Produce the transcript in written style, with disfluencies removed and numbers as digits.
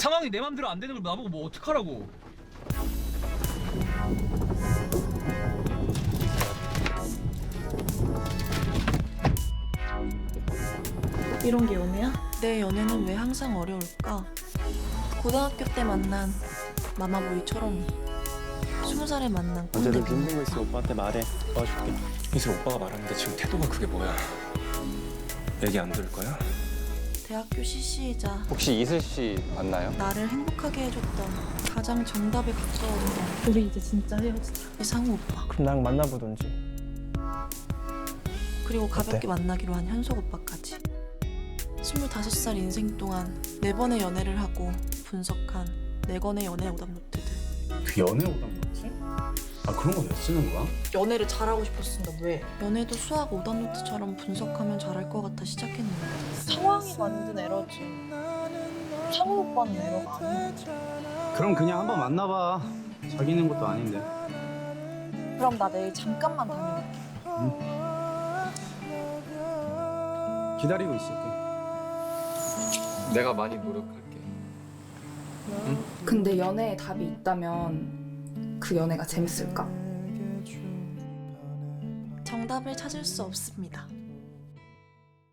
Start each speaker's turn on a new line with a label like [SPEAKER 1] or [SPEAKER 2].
[SPEAKER 1] 상황이 내 맘대로 안 되는 걸 나보고 뭐 어떡하라고.
[SPEAKER 2] 이런 게 연애야?
[SPEAKER 3] 내 연애는 왜 항상 어려울까? 고등학교 때 만난 마마보이처럼 20살에 만난 꼰대
[SPEAKER 4] 언제든지 힘든 거
[SPEAKER 3] 빈
[SPEAKER 4] 있으면 오빠한테 말해. 도와줄게.
[SPEAKER 5] 이제 오빠가 말하는데 지금 태도가 그게 뭐야? 얘기 안 들을 거야?
[SPEAKER 3] 대학교 CC이자
[SPEAKER 4] 혹시 이슬 씨 맞나요?
[SPEAKER 3] 나를 행복하게 해줬던 가장 정답에 가까운 건
[SPEAKER 2] 우리 이제 진짜 헤어지자.
[SPEAKER 3] 이상우 오빠
[SPEAKER 4] 그럼 나랑 만나보던지.
[SPEAKER 3] 그리고 가볍게
[SPEAKER 4] 어때?
[SPEAKER 3] 만나기로 한 현석 오빠까지 25살 인생 동안 4번의 연애를 하고 분석한 4권의 연애 오답노트들.
[SPEAKER 6] 그 연애 오답노트? 아 그런 거 왜 쓰는 거야?
[SPEAKER 2] 연애를 잘하고 싶었으니까 왜?
[SPEAKER 3] 연애도 수학 오답노트처럼 분석하면 잘할 것 같아 시작했는데
[SPEAKER 2] 상황이 만든 에러지. 상우 오빠는 에러가 아니야.
[SPEAKER 6] 그럼 그냥 한번 만나봐. 사귀는 것도 아닌데.
[SPEAKER 2] 그럼 나 내일 잠깐만 다녀올게.
[SPEAKER 6] 기다리고 있을게.
[SPEAKER 5] 내가 많이 노력할게.
[SPEAKER 7] 근데 연애에 답이 있다면 그 연애가 재밌을까?
[SPEAKER 3] 정답을 찾을 수 없습니다.